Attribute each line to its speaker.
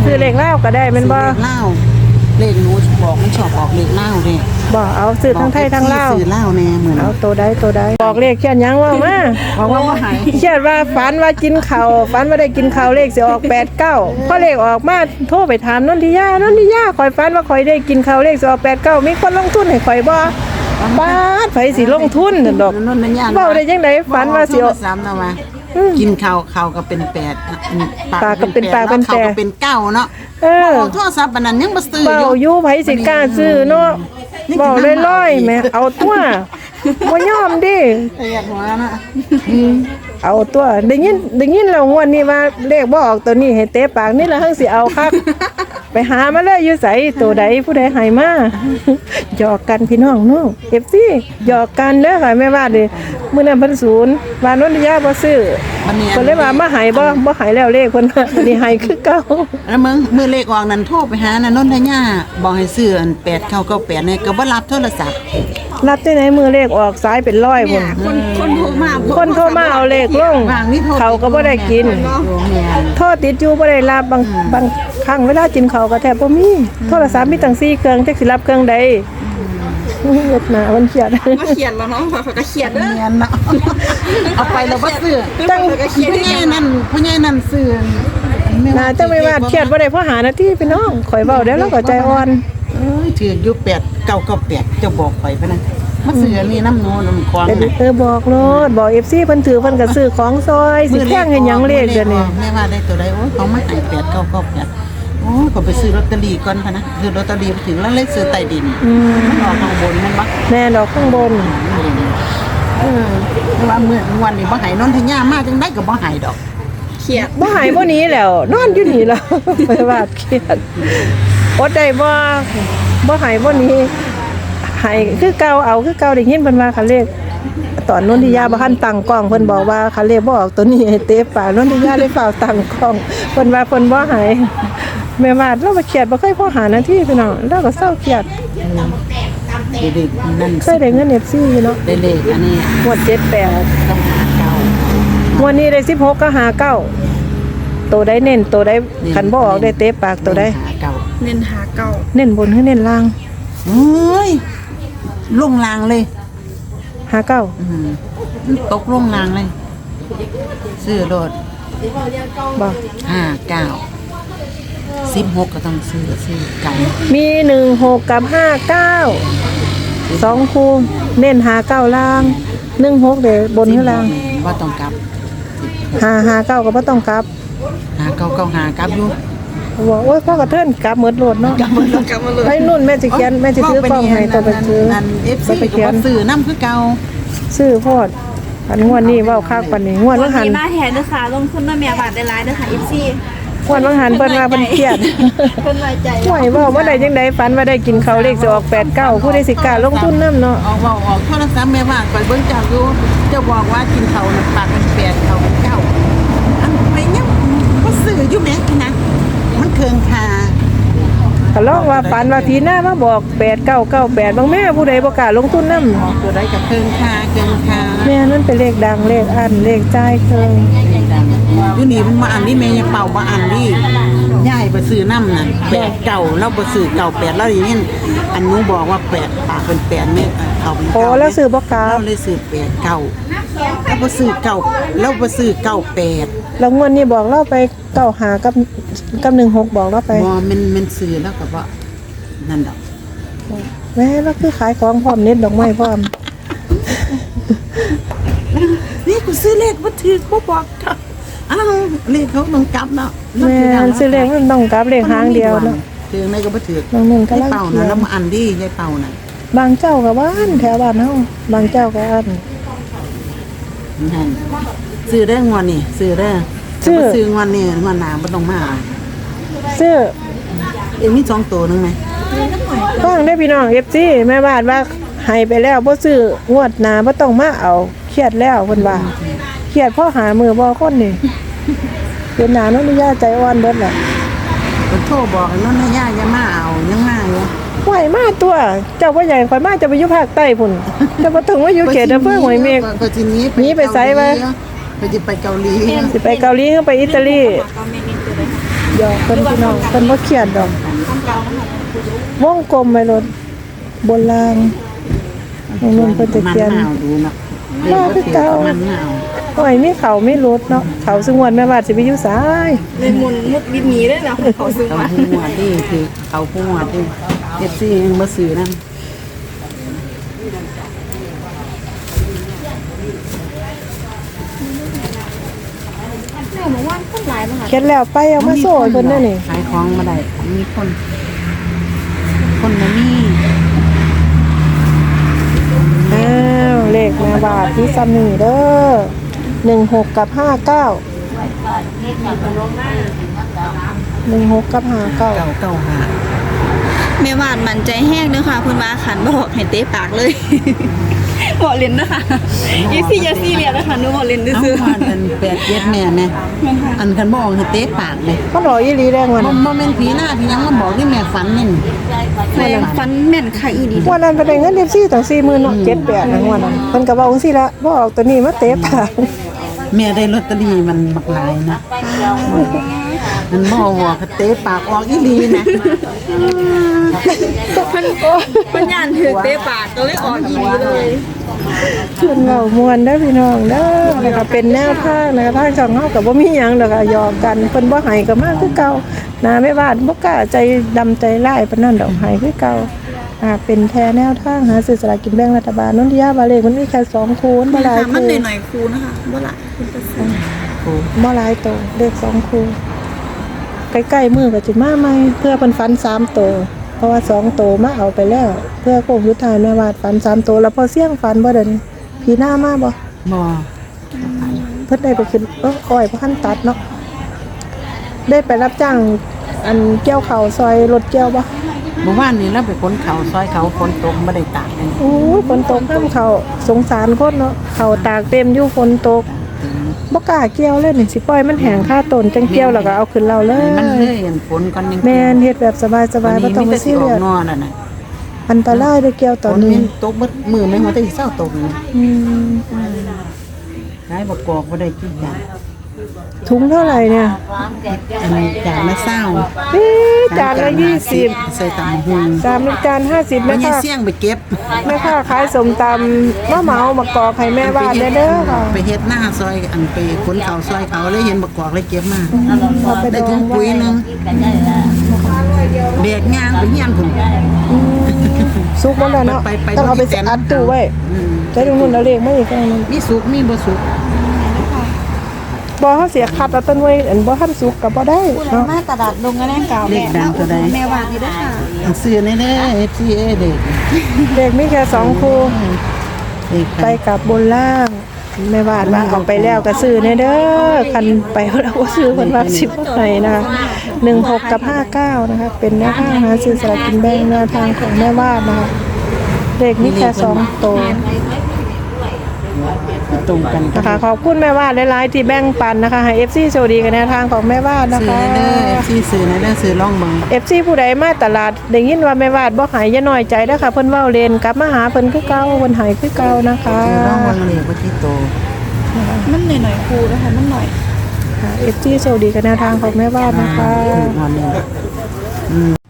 Speaker 1: ซื้อเลขเล่าก็ได้แม่นบ่
Speaker 2: เลขเล่าเลขหนูบอกมันชอบออกเลขเล่าเด้
Speaker 1: บ่เอาซื้อทั้งไทยทั้งลาว
Speaker 2: ซื้อเล่าแน่เหมือน
Speaker 1: เอาตัวใดบอกเลขเขียนหยังว่ามา
Speaker 2: บอกว่าหาย
Speaker 1: เขียนว่าฝันว่ากินข้าวฝันว่าได้กินข้าวเลขสิออก89พอเลขออกมาโทรไปถามนนทิยข่อยฝันว่าข่อยได้กินข้าวเลขสิออก89มีคนลงทุนให้ข่อยบ่บาดไผสิลงทุนนั่นดอกเว้าได้จังได๋ฝันว่าสิออก
Speaker 2: ซ้ำนะว่ากินข้าวก็เป็น8
Speaker 1: ปากก็เป็นปากเป็นแปด
Speaker 2: ข้าวก็เป็น9เนาะ
Speaker 1: เออ
Speaker 2: โทรศัพท์อันนั้นยังบ่ซื้อ
Speaker 1: เว้า
Speaker 2: อยู่
Speaker 1: อยู่ไผสิกล้าซื้อเนาะเว้าลอยๆแหม่เอาตัวบ่ยอมดิ
Speaker 2: เรียกหัวนะ
Speaker 1: เอาตัวได้ยินแล้วงวดนี้ว่าเลขบ่ออกตัวนี้ให้เตะปากนี่ละหั่งสิเอาคัก ไปหามาเลยอยู่ไสตัวใดผู้ใดให้มา หยอกกันพี่น้องเนาะ FC หยอกกันเด้อค่ะแม่ว่าดิมื้อนั้นเพิ่นศูนย์ว่านนทยาบ่ซื้อ
Speaker 2: บัดนี้
Speaker 1: เพิ่นเลยว่ามาให้บ่ให้แล้วเลขเพิ่นว่าอันนี้ให้คือเก่า
Speaker 2: แล้วมือเลขออกนั้นโทรไปหาน่ะนนทยาบอกให้ซื้ออัน8998เนี่ยก็บ่รับโทรศัพท์
Speaker 1: รับที่ไหนมือเลขออกซ้ายเป็นร้อยพุ่น คนโทรมาเอาเลขลง
Speaker 2: วางนี่โทร
Speaker 1: เขาก็บ่ได้กิน
Speaker 2: แม่น
Speaker 1: โทษติดอยู่บ่ได้รับบางครั้งเวลากินข้าวก็แทบบ่มีโทรศัพท์มีตั้ง4เครื่องจักสิรับเครื่องใดเฮ็ดหน้ามันเครียด
Speaker 3: มาเขียนแล้วเนาะเขาก็เขียนเด้อ
Speaker 2: แม่นเนาะเอาไปแล้วบ่ซื้อ
Speaker 1: จัง
Speaker 2: ผู้ใหญ่นั่นซื้อ
Speaker 1: น่าจะไม่ว่าเครียดบ่ได้เพราะหาหน้าที่พี่น้องข่อยเว้าแล้วเราก็ใจอ่อน
Speaker 2: เอ้ยถืออยู่8998เจ้าบอกไปพะนะมาซื้ออันนี้น้ำโนน้ำควาง
Speaker 1: เป็น
Speaker 2: น่ะ
Speaker 1: บอกโลดบอก FC เพิ่นถือเพิ่นก็ซื้อของซอยสิแพงเฮ็ดหยังเลขเดี๋ยวนี้
Speaker 2: แม่ว่าได้ตัวใดโอ้ยเขามาให้8998โอ้ยก็ไปซื้อลอตเตอรี่ก่อนพะนะซื้อลอตเตอรี่ไปถึงแล้วเลยซื้อใต้ดินมันออกข้างบนแม่นบ่
Speaker 1: แม่ดอกข้างบน
Speaker 2: ว่าเมื่อวันนี้บ่ใหายนนทยามาจังได้ก็บ่ใหายดอก
Speaker 3: เขียน
Speaker 1: บ่หายบ่หนี้แล้ว นอนอยู่นี่แล้ว ไปว่าเครียดอดได้บ่หายบ่หนี้หายคือเก่าเอาคือเก่าได้ยินเพิ่นว่าคันเลขตอนนนทิยาบ่ทันตั้งกล้องเพิ่นบอกว่าคันเลขบ่ออกตัวนี้ให้เตะปากนนทิยาเลยเฝ้าตั้งกล้องเพิ่นว่าเพิ่นบ่หายแม่ว่าเราบ่เครียดบ่เคยพอหาหน้าที่พี่น้องเราก็เศร้าเครียด
Speaker 2: เด็กๆนั่น
Speaker 1: เคยได้เงิน FC อยู่เนาะ
Speaker 2: เด็กๆอันนี้
Speaker 1: งวด78
Speaker 2: ต้องหาเก่าง
Speaker 1: วดนี้ได้16ก็59ตัวใดเน้นตัวใดคันบ่ออกได้เตะปากตัวใด
Speaker 2: หาเก่า
Speaker 3: เน้นหาเก่า
Speaker 1: เน้นบนคือเน้นล่าง
Speaker 2: เฮ้ยลงลางเลย
Speaker 1: 59
Speaker 2: ตกลงลางเลยซื้อรถ
Speaker 1: บ่
Speaker 2: 59 16ก็ต้องซื้อกัน
Speaker 1: มี16กับ59 2คู่เน้น59ล่าง16เด้บนคือล่าง
Speaker 2: บ่ต้องกลับ
Speaker 1: 559ก็บ่ต้องกลับ
Speaker 2: หาเก่าเก่าหากลับอยู่
Speaker 1: บอกโอ้ยพ่อกระเทินกลับหมดโลดเนาะ
Speaker 3: กลับมาเลย
Speaker 1: ให้นุ่นแม่สิเขียนแม่สิซื้อกล้องให้ตัวไปซื้อ
Speaker 2: อัน FC
Speaker 1: ไป
Speaker 2: ก็
Speaker 1: เขีย
Speaker 2: บ่
Speaker 1: น
Speaker 2: ซื้อนํคือเก่า
Speaker 1: ซื้อโพดอันงวดนี้เว้าคักปานนี้งวด
Speaker 3: วั
Speaker 1: ว่าน หัน
Speaker 3: นี้มาแทนเด้อค่ะลงทุนมาแม่บาทได้หลายเด้อค่ะ FC
Speaker 1: งวดว่าหันเพิ่นว่าเพิ่นเครียด
Speaker 3: เพิ่นไว้ใจ
Speaker 1: ห่วยเว้าบ่ได้จังได๋ฝันว่าได้กินข้าวเลขสิออก89ผู้ใดสิกล้าลงทุนนำเนาะ
Speaker 2: ออกโทรศัพท์แม่ว่าไปเบิ่งเจ้าอยู่เจ้าบอกว่ากินเขาวน่ะปากเป็น8เขาเป็น9อันไปยังบ่ซื้ออยู่แหมนะมันเคืองคา
Speaker 1: ก็ลองว่าฝันว่าทีหน้ามาบอก8998บางแม่ผู้ใดบ่กล้าลงทุนนำ
Speaker 2: ออกตัวใดก็เคืองคา
Speaker 1: แม่นั่นเป็นเลขดังเลขอันเลขจ่ายเคย
Speaker 2: อยู่นี่มันมาอันนี้แม่ยังเป่าบ่อันนี่ยายบ่ซื้อนำน่ะ8เก่าแล้วบ่ซื้อเก่า8แล้วอย่างนี้อันหนูบอกว่า8ปากเป็น8แม่เขาเป็น
Speaker 1: โอ้
Speaker 2: เก่า
Speaker 1: แล้วซื้อบ่กล้า
Speaker 2: เราเลยซื้อ8เก่าแล้วบ่ซื้อเก่าแล้วบ่ซื้อเก่า8
Speaker 1: แล้วงวดนี้บอกเราไป95กับ16บอกเราไป
Speaker 2: บ่มันซื้อแล้วก็บ่นั่นดอก
Speaker 1: แม่เราคือขายของพร้อมเน็ตดอกไม้พร้อม
Speaker 2: นี่กูซื้อเลขบ่ถูกบ่บอกเขาอ้าวเลขเขาต้องกลับเนาะ
Speaker 1: แม่ซื้อเลขมันต้องกลับเลขหางเดียวเนาะ
Speaker 2: ถึงไหนก็บ่ถูก
Speaker 1: บางหนึ่งก็
Speaker 2: ยาย
Speaker 1: ลัง
Speaker 2: เป่า
Speaker 1: เขี
Speaker 2: นะ
Speaker 1: ย
Speaker 2: แล้ว
Speaker 1: น
Speaker 2: มาอันดียายเป่าน่ะ
Speaker 1: บางเจ้าก็บ้านแถวบ้านเฮาบางเจ้าก็อัน
Speaker 2: นั่นซื้อได้งวดนี่ซื้อได้
Speaker 1: ซื้อ
Speaker 2: ถ้าบ่ซื้องวดนี่งวดหน้าบ่ต้องมาเอา
Speaker 1: ซื้อ
Speaker 2: เอ็งมี2ตัวนึงไหม
Speaker 1: ฟังได้พี่น้อง FC แม่บ้านว่าให้ไปแล้วบ่ซื้องวดหน้าบ่ต้องมาเอาเครียดแล้วเพิ่นว่าเครียดเพราะหามือบ่คนนี่เป็นหน้าน้องนิยาใจอ่อนเบิดแหละ
Speaker 2: เพิ่นโทรบอกให้นนทยาอย่ามาเอายังมาอยู่
Speaker 1: ไหวมาตัว เจ้าว่าใหญ่ข่อยมาจะไปอยู่ภาคใต้พุ่นจะบ่ถึงว่าอยู่เขตอำเภอห้วยเมฆ
Speaker 2: ก็สิหนี
Speaker 1: หนีไปไสวะ
Speaker 2: ไปสิไปเกาหลี
Speaker 1: สิไปเกาหลีหรือไปอิตาลี
Speaker 3: ก็แม่เน้นตัวใด
Speaker 1: หยอกเพิ่นพี่น้องเพิ่นบ่เครียดดอกวงกลมไว้รถบนรางตรงนู้นเพิ่นจะเขียน
Speaker 2: มันหนาวดูเนาะ
Speaker 1: ว่าคือเก่า
Speaker 2: มันหนาว
Speaker 1: โอ้ยมีเขาไม่ลดเนาะเขาสงวนแม่บาดสิไปอยู่ซ้าย
Speaker 3: เลยมุนมุดบินหนีได้แล้วเขาซื้อ
Speaker 2: เขา
Speaker 3: มา
Speaker 2: ผู้หวดดิคือเขาผู้หวดดิFC ยังบ่ซื้อนั่น
Speaker 3: แม่บอกว่าคนหลายมาค่ะ
Speaker 1: เขียนแล้วไปเอามาโซ่เพิ่นนั่นนี่
Speaker 2: ขายของมาได้มีคนบ่มี
Speaker 1: อ้าวเลขแม่บาดที่ซ้ำนี่เด้อ16กับ59 16กับ59
Speaker 2: เก่า
Speaker 3: แม่วาดมันใจแห้งเด้อค่ะเพิ่นว่าขันบอกให้เตะปากเลย บอกเล่นนะคะ24อย่าซีเรียสนะคะหนูบอกเล่น
Speaker 2: เอา
Speaker 3: ซื่อ
Speaker 2: ว่าอัน8-7แม่แม่อันคันบ่ออกให้เตะปากเลย
Speaker 1: มันรออีหลีแรงวัน
Speaker 2: บ่แม่นผีหน้าผีหยังมาบอกที่แม่ฝันนี่
Speaker 3: ๆแม่ฟันแม่นค่ะอีดี
Speaker 1: วันนั้นไปได้เงิน14ตั้ง40,000เนาะ78นะวันนั้นเพิ่นก็เว้าจังซี่ละบ่ออกตัวนี้มาเตะปาก
Speaker 2: แม่ได้ลอตเตอรี่มันบักหลายนะมันบ่บอกให้เตะปากออกอีหลีนะ
Speaker 3: เพิ่นย่านถือเตะปากก็เลยออกอีดีเลย
Speaker 1: เพิ่นเว้ามวนเด้อพี่น้องเด้อนะคะเป็นแนวทางนะคะทางช่องเฮาก็บ่มีหยังดอกอะหยอกกันเพิ่นบ่ให้ก็มาคือเก่านะแม่บ้านบ่กล้าใจดำใจร้ายปานนั้นดอกให้คือเก่าเป็นแค่แนวทางหาซื้อสลากกินแบ่งรัฐบาลนนทิยาบาเลขมันมีแค่2คูณบ่หลาย
Speaker 3: มัน
Speaker 1: คู
Speaker 3: หน่อยๆครูนะคะบ่หลายคุณจะซื้อ
Speaker 1: บ่หลายโตเลข2คูใกล้ๆมือก็สิมาใหม่เพื่อเพิ่นฟัน3โตเพราะว่า2โตมาเอาไปแล้ว เพื่อโค้งสุดท้ายแม่วาดฟัน3โตแล้วพอเสี่ยงฟันบ่เด้อนี่พี่หน้ามาบ่
Speaker 2: บ่
Speaker 1: เพิ่นได้ไปขึ้นอ้อยบ่ทันตัดเนาะได้ไปรับจ้างอันเกี่ยวข้าวซอยรถเกี่ยวบ่
Speaker 2: เมื่อวานนี้เราไปขนเขาซอยเขาฝนตกบ่ได้ตากเลย
Speaker 1: โอ้ยฝนตกห้ามเขาสงสารคนเนาะเขาตากเต็มอยู่ฝนตกบ่กล้าเกี่ยวเลยนี่สิปล่อยมันแห้งค่าต้นจังเกี่ยวแล้วก็เอาขึ้นเราเลย
Speaker 2: มันเลยอันฝนก่อนนึง
Speaker 1: แม่นเฮ็ดแบบสบายๆบ่ต้อง
Speaker 2: มี
Speaker 1: มา
Speaker 2: แต่สิ
Speaker 1: ซี
Speaker 2: ออ
Speaker 1: เรีย
Speaker 2: ก
Speaker 1: ส
Speaker 2: นอนั่นน่ะ
Speaker 1: อันตรายเด้อเกี่ยวตอน
Speaker 2: ฝน
Speaker 1: นี้
Speaker 2: มันตกเบิดมือแม่หัวแต่สิเช้าตกนี่
Speaker 1: อืม
Speaker 2: ขายบ่กอกบ่ได้กินหยัง
Speaker 1: ถุงเท่าไหร่เนี่ย
Speaker 2: อันนี้จานละ20
Speaker 1: นี่จานละ20
Speaker 2: ใส่ตำหุง
Speaker 1: 3จาน50
Speaker 2: แม่
Speaker 1: แม่
Speaker 2: ยัง
Speaker 1: ค่ะ
Speaker 2: เสี่ยงไปเก็บ
Speaker 1: แม่ค่ะขายสมตำมะเหมามากอกให้แม่บ้านเด้อค่ะ
Speaker 2: ไปเฮ็ดหน้าซอยอันไปขนเขาซอยเขาเลยเห็นบักกอกเลยเก็บมา
Speaker 1: เอาไป
Speaker 2: ได้
Speaker 1: ดอ
Speaker 2: ถุ
Speaker 1: ง
Speaker 2: งปุ๋ยหนึงแบกยางไปเฮียนพุ่น
Speaker 1: ซุกบ่แล้วเนาะ
Speaker 2: ไป
Speaker 1: ต้องเอาไปอัดตู้ไว้
Speaker 2: อืม
Speaker 1: ใจตรงนู้นเอาเลขมาอีกอันนึง
Speaker 2: มีสุกมีบ่สุก
Speaker 1: บ่เฮาเสียคัดเอาต้นไว้อันบ่ทันสุกก็บ่ได้เนาะ
Speaker 3: มาตลาดลงกันแน่เก่า
Speaker 2: เลขดังตัวใด
Speaker 3: แม่วาดนี่เด้อค่ะ
Speaker 2: อันซื้อในเด้อ FCA เด็ก
Speaker 1: เลขมีแค่2คู่
Speaker 2: เลข
Speaker 1: ไปกับบนล่างแม่บ้านว่าเอาไปแล้วก็ซื้อในเด้อคันไปแล้วก็ซื้อเพิ่นว่า10บ่ให้นะคะ16กับ59นะคะเป็นแนวทางหาซื้อสลากกินแบ่งแนวทางของแม่บ้านนะคะเลขมีแค่2ตัว
Speaker 2: ตรงกัน
Speaker 1: นะคะขอบคุณแม่บ้านหลายๆที่แบ่งปันนะคะให้ FC โชคดีกันแนวทางของแม่บ้านนะ
Speaker 2: ซื้อ
Speaker 1: คะ
Speaker 2: ในเด้อ FC ซื้อในเด้อซื้อล่องเบิ่ง
Speaker 1: FC ผู้ใดมาตลาดได้ยินว่าแม่บ้านบ่หายอย่าน้อยใจเด้อค่ะเพิ่นเว้าเล่นกลับมาหาเพิ่นคือเก่าเพิ่นหายคือเก่านะคะ
Speaker 2: ซื้อล่องเบิ่งเลขบ่ที่โต
Speaker 3: มันหน่อยๆครูนะคะมันหน่อย
Speaker 1: FC โชคดีกันแนวทางของแม่บ้านนะคะ
Speaker 2: นอนนี่